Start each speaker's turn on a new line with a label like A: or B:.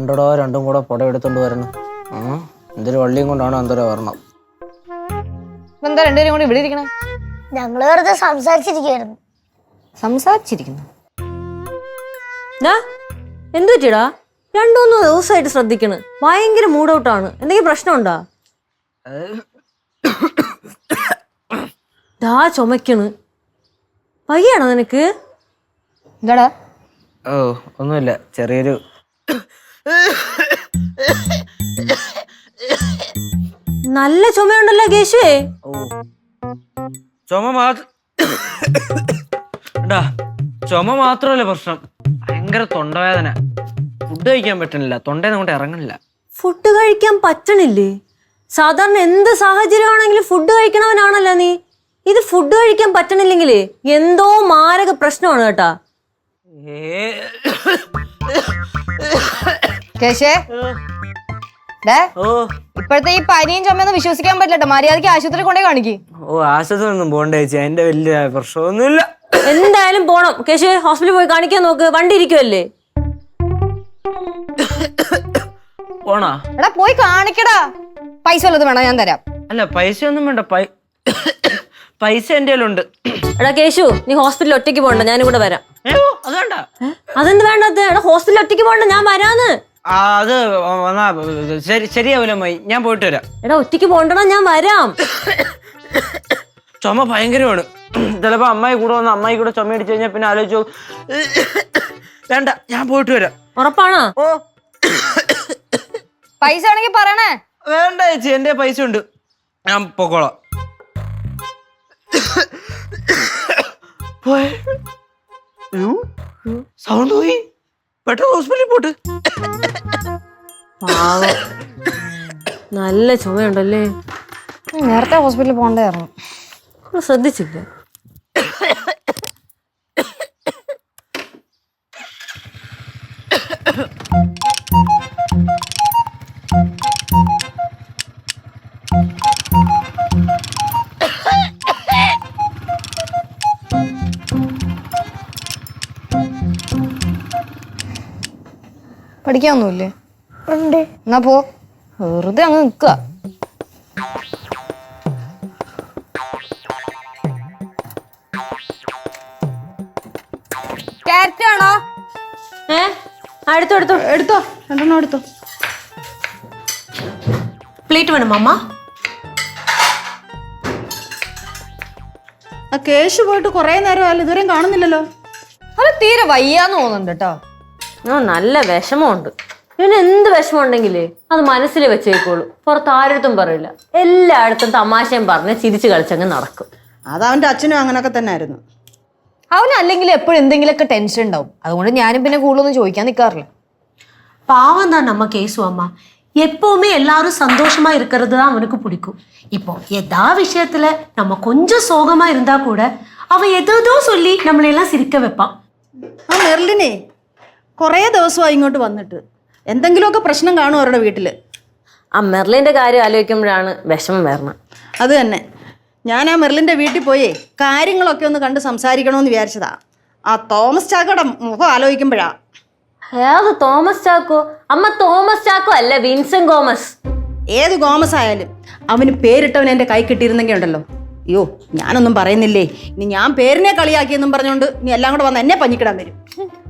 A: രണ്ടോ രണ്ടും കൂടെ പുട എടുത്തോണ്ട് വരണം. എന്തൊരു വള്ളിയും കൊണ്ടാണോ എന്തോരോ വരണം.
B: എന്താ രണ്ടുപേരും കൂടി ഇവിടെ ഇരിക്കണേ?
C: ഞങ്ങള് വെറുതെ സംസാരിച്ചിരിക്കുന്നു.
D: എന്തു പറ്റിയടാ? 2-3 ദിവസമായിട്ട് ശ്രദ്ധിക്കണ്. ഭയങ്കര മൂഡ് ഔട്ടാണ്. എന്തെങ്കിലും പ്രശ്നമുണ്ടാ? ചുമക്കണ്. വയ്യാണോ നിനക്ക്?
B: എന്താടാ?
A: ഓ ഒന്നുമില്ല, ചെറിയൊരു
D: നല്ല ചുമയുണ്ടല്ലോ കേശുവേ.
A: ചുമ മാത്രമല്ല പ്രശ്നം, ഭയങ്കര തൊണ്ടവേദന. ഫുഡ് കഴിക്കാൻ പറ്റണില്ല, തൊണ്ടേന്ന് അങ്ങോട്ട് ഇറങ്ങണില്ല.
D: ഫുഡ് കഴിക്കാൻ പറ്റണില്ലേ? സാധാരണ എന്ത് സാഹചര്യമാണെങ്കിലും ഫുഡ് കഴിക്കണവനാണല്ലോ നീ. ഇത് ഫുഡ് കഴിക്കാൻ പറ്റണില്ലെങ്കിലേ എന്തോ മാരക പ്രശ്നമാണ് കേട്ടാ.
B: കേശേ, ഇപ്പോഴത്തെ ഈ പനിയും ചുമയൊന്നും വിശ്വസിക്കാൻ പറ്റില്ല. മര്യാദക്ക് ആശുപത്രി കൊണ്ടേ കാണിക്ക്.
A: ആശുപത്രി ഒന്നും പോണ്ടേ ചേച്ചി, എന്റെ വലിയ പ്രശ്നമൊന്നുമില്ല.
D: എന്തായാലും പോണം കേശു. ഹോസ്പിറ്റലിൽ പോയി കാണിക്കാൻ നോക്ക്, വണ്ടി ഇരിക്കുവല്ലേ.
A: പോണാ?
B: എടാ പോയി കാണിക്കടാ. പൈസ വല്ലത് വേണം, ഞാൻ തരാം.
A: അല്ല പൈസ ഒന്നും വേണ്ട, പൈസ എന്റെ കയ്യിലുണ്ട്.
D: എടാ കേശു, നീ ഹോസ്പിറ്റലിൽ ഒറ്റയ്ക്ക് പോകണ്ട, ഞാനും കൂടെ വരാം.
A: അത് വേണ്ട.
D: അതെന്ത് വേണ്ടത്? എടാ ഹോസ്പിറ്റലിൽ ഒറ്റയ്ക്ക് പോകണ്ട, ഞാൻ വരാന്ന്.
A: അത് വന്നാ ശരിയാവില്ല അമ്മായി, ഞാൻ പോയിട്ട് വരാം.
D: എടാ ഒറ്റയ്ക്ക് പോകണ്ടടാ, ഞാൻ വരാം.
A: ചുമ ഭയങ്കരമാണ്. ചിലപ്പോ അമ്മായി കൂടെ വന്ന് അമ്മായി കൂടെ ചുമ അടിച്ചു കഴിഞ്ഞാൽ പിന്നെ ആലോചിച്ചു. വേണ്ട, ഞാൻ പോയിട്ട് വരാം.
D: ഉറപ്പാണോ?
A: ഓ
B: പൈസ ആണെങ്കിൽ പറയണേ.
A: വേണ്ട ചേച്ചി, എന്റെ പൈസ ഉണ്ട്, ഞാൻ പൊക്കോളാം. സൗണ്ട് പോയി, പെട്ടെന്ന് ഹോസ്പിറ്റലിൽ പോട്ട്.
D: നല്ല ചുമയുണ്ടല്ലേ.
B: നേരത്തെ ഹോസ്പിറ്റലിൽ പോകണ്ടായിരുന്നു,
D: ശ്രദ്ധിച്ചില്ല.
B: പഠിക്കാനൊന്നുമില്ലേ?
C: ഉണ്ട്.
B: എന്നാ പോ, വെറുതെ അങ്ങ് നിക്കുക. ക്യാരറ്റ് ആണോ?
D: എടുത്തോ എടുത്തോ
B: എടുത്തോ, 2 എടുത്തോ.
D: പ്ലേറ്റ് വേണം അമ്മ.
E: കേശു പോയിട്ട് കുറെ നേരമല്ല, ഇതുവരെയും കാണുന്നില്ലല്ലോ.
B: അത് തീരെ വയ്യാന്ന് തോന്നുന്നുണ്ട് കേട്ടോ.
D: നല്ല വിഷമമുണ്ട്. ഇവന് എന്ത് വിഷമം ഉണ്ടെങ്കിലേ അത് മനസ്സിൽ വെച്ചേക്കോളൂ, പുറത്ത് ആരടുത്തും പറയില്ല. എല്ലായിടത്തും തമാശയും പറഞ്ഞ് ചിരിച്ചു കളിച്ചങ്ങ് നടക്കും.
E: അതവന്റെ അച്ഛനും അങ്ങനൊക്കെ തന്നെ ആയിരുന്നു.
B: അവനല്ലെങ്കിൽ എപ്പോഴും എന്തെങ്കിലുമൊക്കെ ടെൻഷൻ ഉണ്ടാവും. അതുകൊണ്ട് ഞാനും പിന്നെ കൂടുതലൊന്നും ചോദിക്കാൻ നിൽക്കാറില്ല.
F: பாவம் தான் நம்ம கேசு அம்மா. எப்பவுமே எல்லாரும் சந்தோஷமா இருக்கிறது தான் அவனுக்கு பிடிக்கும். இப்போ எதா விஷயத்துல நம்ம கொஞ்சம் சோகமா இருந்தா கூட அவன் ஏதோ சொல்லி നമ്മളെല്ലാം സിരിക്ക വെപ്പാൻ.
E: ആ മെർലിനെ കുറേ ദിവസമായി ഇങ്ങോട്ട് വന്നിട്ട്. എന്തെങ്കിലുമൊക്കെ പ്രശ്നം കാണും അവരുടെ വീട്ടില്.
D: ആ മെർലിന്റെ കാര്യം ആലോചിക്കുമ്പോഴാണ് വിഷമം വരണം.
E: അത് തന്നെ, ഞാൻ ആ മെർലിന്റെ വീട്ടിൽ പോയേ കാര്യങ്ങളൊക്കെ ഒന്ന് കണ്ട് സംസാരിക്കണമെന്ന് വിചാരിച്ചതാ. ആ തോമസ് ചാക്കോയുടെ മുഖം ആലോചിക്കുമ്പോഴാ.
D: ഏത് തോമസ് ചാക്കോ? അമ്മ തോമസ് ചാക്കോ അല്ല, വിൻസെന്റ് ഗോമസ്.
E: ഏത് ഗോമസ് ആയാലും അവന് പേരിട്ടവൻ എൻ്റെ കൈ കിട്ടിയിരുന്നെങ്കിൽ ഉണ്ടല്ലോ. അയ്യോ, ഞാനൊന്നും പറയുന്നില്ലേ, ഇനി ഞാൻ പേരിനെ കളിയാക്കിയെന്നും പറഞ്ഞുകൊണ്ട് നീ എല്ലാം കൂടെ വന്ന് എന്നെ പഞ്ഞിക്കിടാൻ വരും.